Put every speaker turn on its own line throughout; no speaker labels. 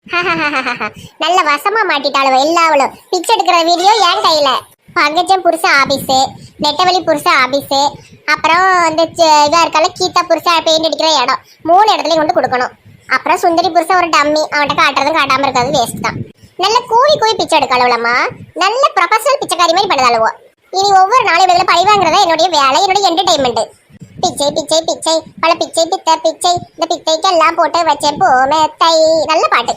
நல்ல வசமா மாட்டிட்டாளுவ எல்லாவளும். பிச்சை எடுக்கிற வீடியோ என் கையில. பங்கஜம் புருஷ ஆபீஸு, நெட்டவழி புருஷ ஆபீஸு, அப்புறம் இந்த இதா இருக்கால கீதா புருஷ பெயிண்ட் அடிக்கிற இடம், 3 இடத்துலயும் கொண்டு கொடுக்கணும். அப்புறம் சுந்தரி புருஷ ஒரு டம்மி, அவன்கிட்ட காட்டுறதும் காட்டாம இருக்கிறது வேஸ்ட் தான். நல்ல கூவி கூவி பிச்சை எடுக்காளுவலம்மா. நல்ல ப்ரொஃபஷனல் பிச்சைக்காரி மாதிரி பண்ணுதாளுவோ. இனி ஒவ்வொரு நாளும் இவங்களை பழி வாங்குறதா என்னுடைய வேலை, என்னுடைய என்டர்டைன்மெண்ட். பிச்சை பிச்சை பிச்சை பல பிச்சை பித்த பிச்சை, இந்த பிச்சைக்கெல்லாம் போட்டு வச்சேன் போமேத்தை. நல்ல பாட்டு.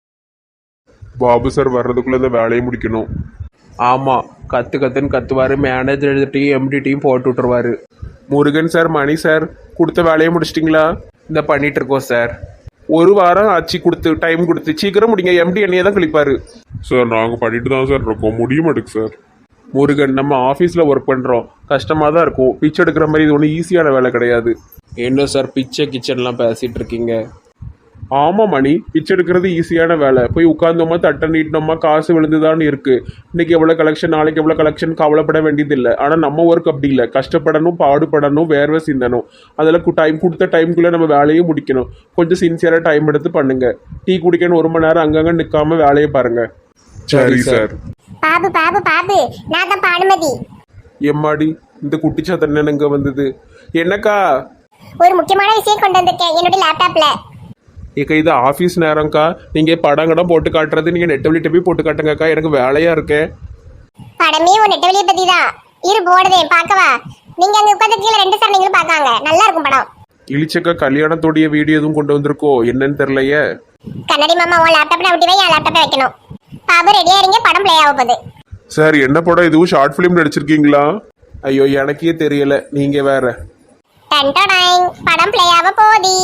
பாபு சார் வர்றதுக்குள்ள இந்த வேலையை முடிக்கணும்.
ஆமாம், கத்துன்னு கத்துவார். மேனேஜர் எழுதிட்டையும் எம்டிட்டையும் போட்டு விட்டுருவாரு.
முருகன் சார், மணி சார் கொடுத்த வேலையை முடிச்சிட்டிங்களா?
இந்த பண்ணிட்டு இருக்கோம் சார்.
ஒரு வாரம் ஆச்சு கொடுத்து, டைம் கொடுத்து சீக்கிரம் முடிங்க. எம்டி என்னையே தான் கழிப்பாரு.
சார் நாங்கள் பண்ணிட்டு தான் சார் இருக்கோம், முடிய மாட்டேங்க சார்.
முருகன், நம்ம ஆஃபீஸில் ஒர்க் பண்ணுறோம், கஷ்டமாக தான் இருக்கும். பிச்சை எடுக்கிற மாதிரி இது ஒன்றும் ஈஸியான வேலை கிடையாது.
என்ன சார் பிச்சை கிச்சன்லாம் பேசிகிட்டு இருக்கீங்க?
ஆமாம் மணி, பிச்சை எடுக்கிறது ஈஸியான வேலை. போய் உட்காந்தோமா தட்டை நீட்டினோமா காசு விழுந்துதான்னு இருக்குது. இன்றைக்கி எவ்வளோ கலெக்ஷன், நாளைக்கு எவ்வளோ கலெக்ஷன் கவலைப்பட வேண்டியதில்லை. ஆனால் நம்ம ஒர்க் அப்படி இல்லை. கஷ்டப்படணும், பாடுபடணும், வேர்வை சிந்தணும். அதில் டைம் கொடுத்த டைமுக்குள்ளே நம்ம வேலையை முடிக்கணும். கொஞ்சம் சின்சியராக டைம் எடுத்து பண்ணுங்கள். டீ குடிக்கணும் 1 மணி நேரம் அங்கங்கே நிற்காம வேலையை பாருங்கள்.
சரி சார்.
பாபு பாபு பாபு, நான் தான் பானுமதி.
எம்மாடி, இந்த குட்டிச்சாத்தன் இங்கே வந்தது. என்னக்கா?
ஒரு முக்கியமான விஷயம் கொண்டு வந்திருக்கேன் என்னுடைய லேப்டாப்ல.
ஏக்கா இது ஆஃபீஸ் நேரம்க்கா. நீங்கள் படம் போட்டு காட்டுறது நீங்கள் நெட்டவழிட்ட போய் போட்டு காட்டுங்கக்கா, எனக்கு வேலையாக இருக்கேன்.
படமே ஒரு நெட்டவழியை பத்தி தான். இரு போடுதே பார்க்கவா? நீங்க அங்க உட்காந்து கீழே 2 சரணைங்களும் பார்க்காங்க. நல்லா இருக்கும் படம்.
இழிச்சக்கா கல்யாணத்தோடைய வீடியோ எதுவும் கொண்டு வந்திருக்கோ என்னன்னு தெரியலையே.
கண்ணாடி மாமா உன் லேப்டாப்ல விட்டு வை, என் லேப்டாப்பை வைக்கணும். பாபு ரெடியா இருங்க, படம் பிளே ஆக போகுது.
சார் என்ன படம்? இதுவும் ஷார்ட் ஃபிலிம் நடிச்சிருக்கீங்களா? ஐயோ எனக்கே தெரியல, நீங்க வேற.
டன்டடாங், படம் பிளே ஆக போகுது.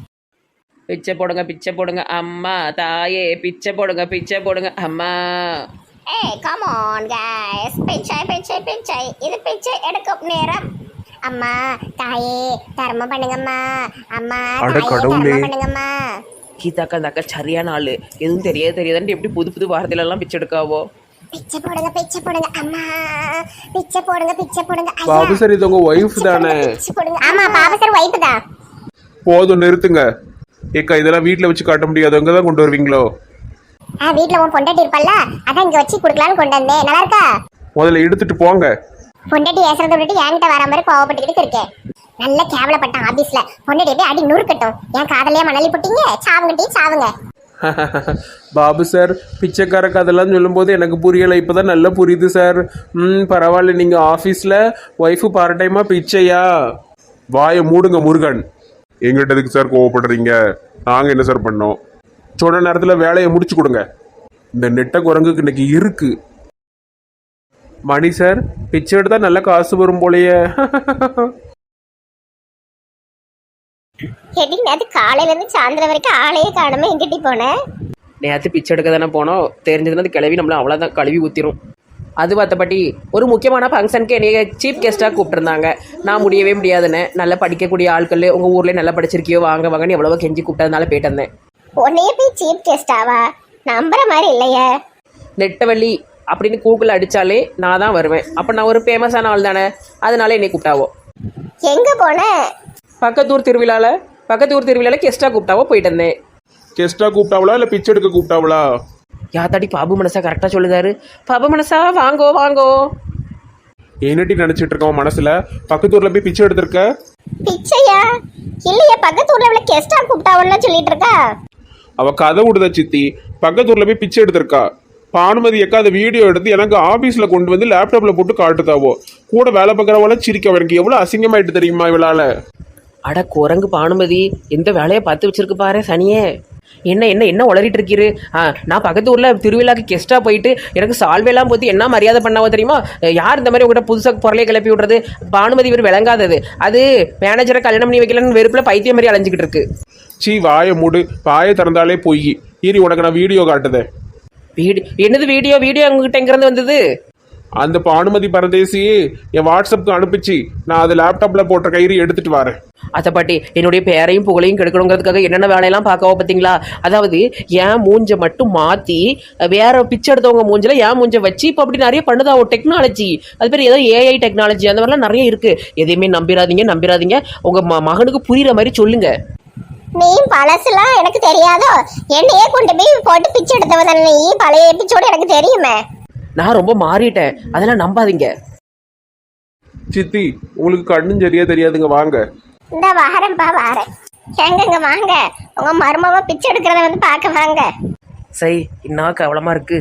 பிச்சை போடுங்க அம்மா தாயே, பிச்சை போடுங்க அம்மா.
ஏய் கம் ஆன் गाइस, பிச்சை பிச்சை பிச்சை, இது பிச்சை எடுக்கும் நேரம். அம்மா தாயே தர்மம் பண்ணுங்கம்மா. அம்மா
அட
தாயே
கடவுளே.
தர்மம் பண்ணுங்கம்மா.
கீதாக்கா அந்த அக்கா சரியான ஆளு. எதுவும் தெரியாதுன்ட்டு எப்படி புது வார்த்தையிலலாம் பிச்சை எடுக்காவோ.
பிச்சை போடுங்க அம்மா. பிச்சை போடுங்க ஐயா.
பாபு சார் இது உங்க ஒய்ஃப் தானே?
பிச்சை போடுங்க. ஆமா பாபு சார் வைஃப் தான்.
போதும் நிறுத்துங்க. ஏக்கா இதெல்லாம் வீட்டில் வச்சு காட்ட முடியாது, அங்கே தான் கொண்டு வருவீங்களோ?
வீட்ல உன் பொண்டாட்டி இருப்பல்ல, அதான் இங்க வச்சு குடுக்கலாம்னு கொண்டு வந்தேன். நல்லா இருக்கா?
முதல்ல எடுத்துட்டு போங்க.
பொண்டாட்டி ஏசுறத விட்டுட்டு என்கிட்ட வர மாதிரி கோவப்பட்டுக்கிட்டு இருக்கேன். நல்ல கேவலப்பட்டான் ஆபீஸ்ல. பொண்டாட்டி போய் அடி நூறுக்கட்டும். என் காதலையா மணலி போட்டீங்க, சாவுங்க.
பாபு சார் பிச்சைக்கார கதெல்லாம் சொல்லும்போது எனக்கு புரியலை, இப்போதான் நல்லா புரியுது சார். பரவாயில்ல. நீங்கள் ஆஃபீஸில் ஒய்ஃபு பார்ட் டைமாக பிச்சையா? வாயை மூடுங்க முருகன்.
எங்கிட்ட எதுக்கு சார் கோவப்படுறீங்க? நாங்கள் என்ன சார் பண்ணோம்?
சொன்ன நேரத்தில் வேலையை முடிச்சு கொடுங்க. இந்த நெட்ட குரங்குக்கு இன்னைக்கு இருக்கு. மணி சார் பிச்சை எடுத்தா நல்ல காசு வரும் போலயே.
எடி நேத்து காலையில இருந்து சாயந்தரம் வரைக்கும் ஆளையே காணாம எங்கிட்டி போனேன்.
நேற்று பிச்சை எடுக்க தானே போனோம். தெரிஞ்சதுன்னா அது கிளவி நம்மள அவ்வளோதான் கழுவி ஊற்றிடும். அது பார்த்தபடி ஒரு முக்கியமான ஃபங்க்ஷனுக்கு என்னைய சீஃப் கெஸ்ட்டாக கூப்பிட்டுருந்தாங்க. நான் முடியவே முடியாதுன்னு, நல்லா படிக்கக்கூடிய ஆட்கள் உங்கள் ஊர்லேயே நல்லா படிச்சிருக்கியோ வாங்கன்னு எவ்வளவோ கெஞ்சி கூப்பிட்டதுனால போயிட்டு வந்தேன்.
உன்னையே போய் சீஃப் கெஸ்டாவா? நம்புற மாதிரி இல்லையே.
நெட்டவள்ளி அப்படின்னு கூகுள் அடித்தாலே நான் தான் வருவேன். அப்போ நான் ஒரு ஃபேமஸான ஆள் தானே, அதனால என்னை கூப்பிட்டாவோ.
எங்க போன?
பக்கத்தூர் திருவிழாவில் கெஸ்ட்டாக கூப்பிட்டாவோ போயிட்டு வந்தேன்.
கெஸ்டா கூப்பிட்டாவளா இல்லை பிச்சை எடுக்க கூப்பிட்டாவளா?
யாத்தாடி பாபு மனசா கரெக்டாக சொல்லுதாரு. பாபு மனசா வாங்கோ.
என்னட்டி நினைச்சிட்டு இருக்கோம் மனசுல? பக்கத்தூர்ல போய் பிச்சை எடுத்திருக்க?
பிச்சையா? இல்லையா, பக்கத்தூர்ல உள்ள கெஸ்டா கூப்பிட்டாவன்னு சொல்லிட்டு இருக்கா.
அவ கதை விடுதா சித்தி. பக்கத்தூர்ல போய் பிச்சை எடுத்திருக்கா. பானுமதி அக்கா அந்த வீடியோ எடுத்து எனக்கு ஆபீஸ்ல கொண்டு வந்து லேப்டாப்ல போட்டு காட்டுதாவோ. கூட வேலை பார்க்குறவள சிரிக்க. எனக்கு எவ்வளவு அசிங்கமாயிட்டு தெரியுமா இவளால?
அட குரங்கு பானுமதி, எந்த வேலையை பார்த்து வச்சிருக்கு பாரு சனியே. என்ன உளறிட்டு இருக்கீரு? நான் பக்கத்து ஊரில் திருவிழாக்கு கெஸ்ட்டாக போயிட்டு எனக்கு சால்வையெல்லாம் போட்டு என்ன மரியாதை பண்ணாவோ தெரியுமா? யார் இந்த மாதிரி உங்கள்கிட்ட புதுசாக பொருளையை கிளப்பி விடுறது? பானுமதி இவர் விளங்காதது. அது மேனேஜரை கல்யாணம் பண்ணி வைக்கலன்னு வெறுப்பில் பைத்தியம் மாதிரி அலைஞ்சிக்கிட்டு இருக்கு.
சீ வாயை மூடு. வாயை திறந்தாலே போய் ஈரி. உனக்கு நான் வீடியோ காட்டுதேன்.
என்னது வீடியோ உங்ககிட்ட எங்கிருந்து வந்தது?
அந்த பானுமதி பரதேசி என் வாட்ஸ்அப்புக்கு அனுப்பிச்சு, நான் அது லேப்டாப்ல போட்ட கயிறு எடுத்துட்டு வரேன்.
அதை பாட்டி என்னுடைய பேரையும் புகழையும் கெடுக்கணுங்கிறதுக்காக என்னென்ன வேலையெல்லாம் பார்க்கவோ பார்த்தீங்களா? அதாவது என் மூஞ்சை மட்டும் மாற்றி வேற பிச்சை எடுத்தவங்க மூஞ்சில் என் மூஞ்சை வச்சு இப்போ அப்படி நிறைய பண்ணுதா ஒரு டெக்னாலஜி. அது பேர் ஏதோ ஏஐ டெக்னாலஜி, அந்த மாதிரிலாம் நிறைய இருக்கு. எதையுமே நம்பிடாதீங்க. உங்க மகனுக்கு புரியுற மாதிரி சொல்லுங்க.
நீ பழசுலாம் எனக்கு தெரியாதோ? என்னையே கொண்டு போய் போட்டு பிச்சை எடுத்தவ தானே நீ. பழைய எபிசோடு எனக்கு தெரியுமே.
நான் ரொம்ப மாறிட்டேன், அதெல்லாம் நம்பாதீங்க.
சித்தி உங்களுக்கு கண்ணும் சரியா தெரியாதுங்க, வாங்க.
இந்த வாரேன்ப்பா வாரேன். எங்கங்க வாங்க, உங்க மருமவ பிச்சை எடுக்கிறத வந்து பார்க்க வாங்க.
சரி, இன்னும் கவலமா இருக்கு.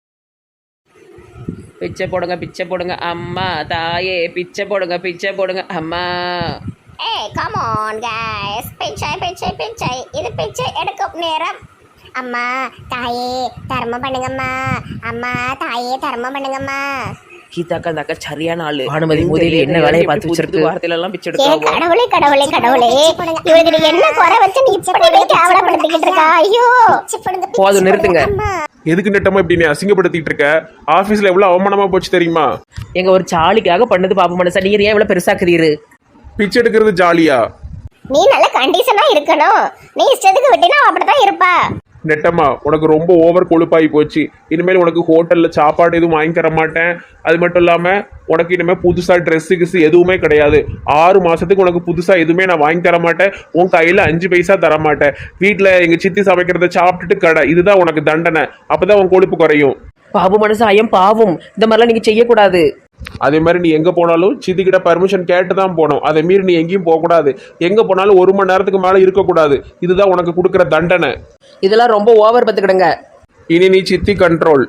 பிச்சை போடுங்க பிச்சை போடுங்க அம்மா தாயே, பிச்சை போடுங்க பிச்சை போடுங்க அம்மா.
ஏய் கம் ஆன் गाइस, பிச்சை பிச்சை பிச்சை, இது பிச்சை எடுக்கும் நேரம். அம்மா தாயே தர்மம் பண்ணுங்கம்மா, அம்மா தாயே தர்மம் பண்ணுங்கம்மா.
கீதாக்கா அந்த அக்கா சரியான ஆளு. பானுமதி முதலில் என்ன வேலையை பார்த்து வச்சிருக்கு, வார்த்தையில எல்லாம் பிச்சை
ஏ
எடுக்க.
கடவுளே கடவுளே கடவுளே, இவளுக்கு நீ என்ன குறை வச்சு நீ இப்படி கேவலப்படுத்திக்கிட்டு இருக்கா? ஐயோ
போதும், நிறுத்துங்க.
எதுக்கு நெட்டமா இப்படி நீ அசிங்கப்படுத்திட்டு இருக்க? ஆபீஸ்ல எவ்வளவு அவமானமா போச்சு தெரியுமா?
எங்க ஒரு சாலிக்காக பண்ணது பாப்ப மனசா, நீங்க ஏன் இவ்வளவு பெருசாக்குறீரு?
பிச்சை எடுக்கிறது ஜாலியா?
நீ நல்ல கண்டிஷனா இருக்கணும். நீ இஷ்டத்துக்கு விட்டினா அப்படிதான் இருப்பா.
நெட்டமா உனக்கு ரொம்ப ஓவர் கொழுப்பாகி போச்சு. இனிமேல் உனக்கு ஹோட்டல்ல சாப்பாடு எதுவும் வாங்கி தர மாட்டேன். அது மட்டும் இல்லாம உனக்கு இனிமேல் புதுசா ட்ரெஸ்ஸு கிஸ் எதுவுமே கிடையாது. 6 மாசத்துக்கு உனக்கு புதுசா எதுவுமே நான் வாங்கி தர மாட்டேன். உன் கையில 5 பைசா தர மாட்டேன். வீட்டுல எங்க சித்தி சமைக்கிறத சாப்பிட்டுட்டு கடை, இதுதான் உனக்கு தண்டனை. அப்பதான் உன் கொழுப்பு குறையும்.
பாபு மனசு ஐயம் பாவம், இந்த மாதிரிலாம் நீங்க செய்யக்கூடாது.
அதே மாதிரி நீ எங்க போனாலும் சித்தி கிட்ட பர்மிஷன் கேட்டு தான் போகணும். அதை மீறி நீ எங்கேயும் போகக்கூடாது. எங்க போனாலும் 1 மணி நேரத்துக்கு மேல இருக்கக்கூடாது. இதுதான் உனக்கு கொடுக்குற தண்டனை.
இதெல்லாம் ரொம்ப ஓவர் பத்துக்கிடுங்க.
இனி நீ சித்தி கண்ட்ரோல்.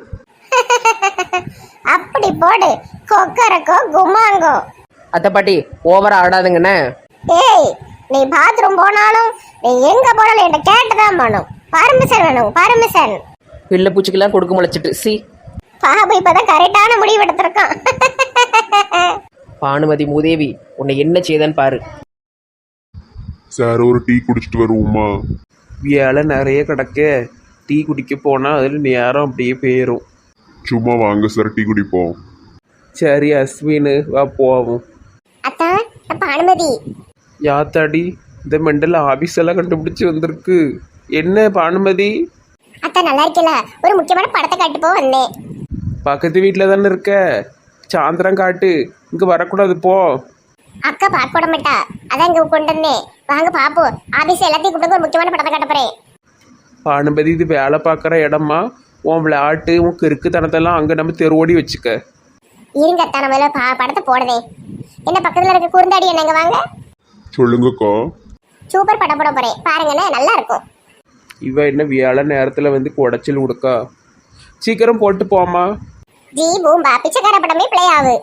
அப்படி போடு, கொக்கரக்கோ குமாங்கோ.
அத்தை பாட்டி ஓவரா ஆடாதுங்கண்ணே.
ஏய் நீ பாத்ரூம் போனாலும் நீ எங்க போனாலும் என்கிட்ட கேட்டுதான் போகணும். பர்மிஷன் வேணும், பர்மிஷன்.
பிள்ளை பூச்சிக்கெல்லாம் கொடுக்க முளைச்சிட்டு சி.
பாபு இப்பதான் கரெக்டான முடிவு எடுத்திருக்கான்.
பானுமதி மூதேவி உன்னை என்ன செய்தான்னு பாரு.
சார் ஒரு டீ குடிச்சிட்டு வருவோமா?
வேலை நிறைய கிடக்க. டீ குடிக்க போனால் அதில் நேரம் அப்படியே போயிடும்.
சும்மா வாங்க சார், டீ குடிப்போம்.
சரி அஸ்வின் வா போவோம்.
அத்தான் பானுமதி.
யாத்தாடி இந்த மெண்டல் ஆபீஸ் எல்லாம் கண்டுபிடிச்சி வந்திருக்கு. என்ன பானுமதி?
அத்தான் நல்லா இருக்கல, ஒரு முக்கியமான படத்தை காட்டு போ வந்தேன்.
பக்கத்து வீட்டில் தானே இருக்க, சாயந்தரம் காட்டு. இங்கே வரக்கூடாது போ.
அக்கா பார்க்க விட மாட்டா, அதான் இங்க கொண்டு வந்தேன். வாங்க பாப்போம், ஆபீஸ் எல்லாத்தையும் கூப்பிட்டு ஒரு முக்கியமான படத்தை காட்ட போறேன்.
பானுமதி இது வேலை பார்க்குற இடமா? உன் விளையாட்டு உன் கிறுக்குத்தனத்தெல்லாம் அங்கே நம்ம தெருவோடி வச்சுக்க.
இருங்க அத்தா, நம்ம படத்தை போடுதே. என்ன பக்கத்துல இருக்க குறுந்தாடி என்னங்க வாங்க.
சொல்லுங்கக்கா.
சூப்பர் படம் போட போறேன் பாருங்கண்ணே, நல்லா இருக்கும்.
இவ என்ன வேலை நேரத்தில் வந்து குடைச்சல் கொடுக்கா? சீக்கிரம் போட்டு போமா.
ஜி பூம்பா பிச்சைக்கார படமே பிளே ஆகு.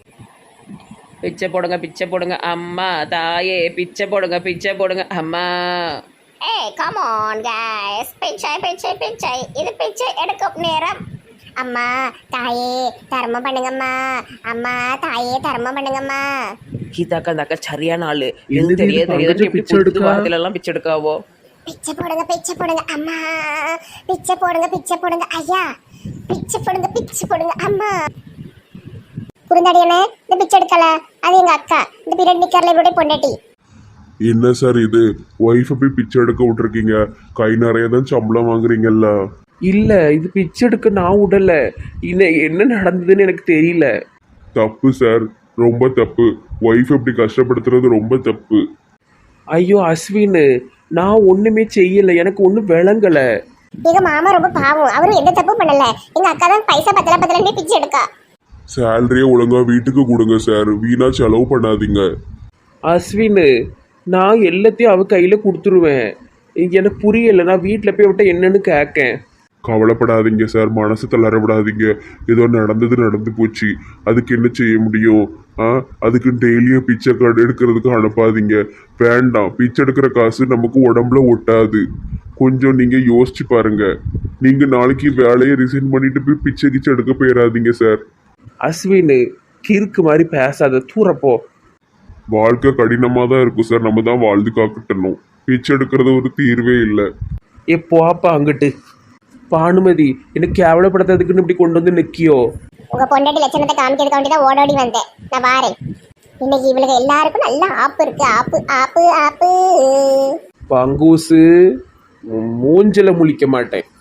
பிச்சை போடுங்க பிச்சை போடுங்க அம்மா தாயே, பிச்சை போடுங்க பிச்சை போடுங்க அம்மா.
ஏய் கம் ஆன் गाइस, பிச்சை பிச்சை பிச்சை, இது பிச்சை எடுக்கும் நேரம். அம்மா தாயே தர்மம் பண்ணுங்கம்மா, அம்மா தாயே தர்மம் பண்ணுங்கம்மா.
கீதாக்கா அந்த அக்கா சரியான ஆளு.
என்ன
எது தெரிய
இது
தெரியாது
பங்கஜம்
எப்படி
பிச்சை எடுக்கா?
வாரத்துல எல்லாம் பிச்சை எடுக்காவோ.
பிச்சை போடுங்க அம்மா, பிச்சை போடுங்க ஐயா, பிச்சை போடுங்க அம்மா. குறுந்தாடி என்ன இந்த பிச்சை எடுக்கல, அது எங்க அக்கா. இந்த பீரியட் நிக்கர்ல இவருடைய பொண்டாட்டி.
என்ன சார் இது, ஒய்ஃபை போய் பிச்சை எடுக்க விட்டுருக்கீங்க? கை நிறைய தான் சம்பளம் வாங்குறீங்கல்ல.
இல்லை இது பிச்சை எடுக்க நான் விடலை. என்ன நடந்ததுன்னு எனக்கு தெரியல.
தப்பு சார், ரொம்ப தப்பு. ஒய்ஃப் இப்படி கஷ்டப்படுத்துறது ரொம்ப தப்பு.
ஐயோ அஸ்வின், நான் ஒன்றுமே செய்யலை, எனக்கு ஒன்றும் விளங்கலை.
எங்க மாமா ரொம்ப பாவம், அவரும் எந்த தப்பு பண்ணல. எங்க அக்கா தான் பைசா பத்தல பிச்சை எடுக்கா.
சேலரியை ஒழுங்கா வீட்டுக்கு கொடுங்க சார், வீணா செலவு பண்ணாதீங்க.
அஸ்வின், நான் எல்லாத்தையும் அவ கையில் கொடுத்துருவேன். எனக்கு புரியலை, நான் வீட்டில் போய் விட்ட என்னன்னு கேட்கேன்.
கவலைப்படாதீங்க சார், மனசு தளர விடாதீங்க. ஏதோ நடந்து போச்சு, அதுக்கு என்ன செய்ய முடியும்? அதுக்கு டெய்லியும் பிச்சை கார்டு எடுக்கிறதுக்கு அனுப்பாதீங்க. வேண்டாம், பிச்சை எடுக்கிற காசு நமக்கு உடம்புல ஒட்டாது. கொஞ்சம் நீங்க யோசிச்சு பாருங்க. நீங்க நாளைக்கு வேலையை ரிசைன் பண்ணிட்டு போய் பிச்சை கிச்சை எடுக்க போயிடாதீங்க சார்.
அஸ்வின், கிறுக்கு மாதிரி பேசாத, தூரப்போ.
வாழ்க்கை கடினமாக தான் இருக்கும் சார், நம்ம தான் வாழ்ந்து காக்கட்டணும். பிச்சை எடுக்கிறது ஒரு தீர்வே இல்லை.
போப்பா அங்கிட்டு. பானுமதி, எனக்கு கேவலப்படுத்துறதுக்குன்னு இப்படி கொண்டு வந்து நிற்கியோ?
உங்க பொண்டாட்டி லட்சணத்தை காமிக்கிறதுக்கு வேண்டிதான் ஓடோடி வந்தேன். நான் வாரேன். இன்னைக்கு இவளுக்கு எல்லாருக்கும் நல்ல ஆப்பு இருக்கு. ஆப்பு ஆப்பு ஆப்பு.
பங்கூசு, மூஞ்சில முழிக்க மாட்டேன்.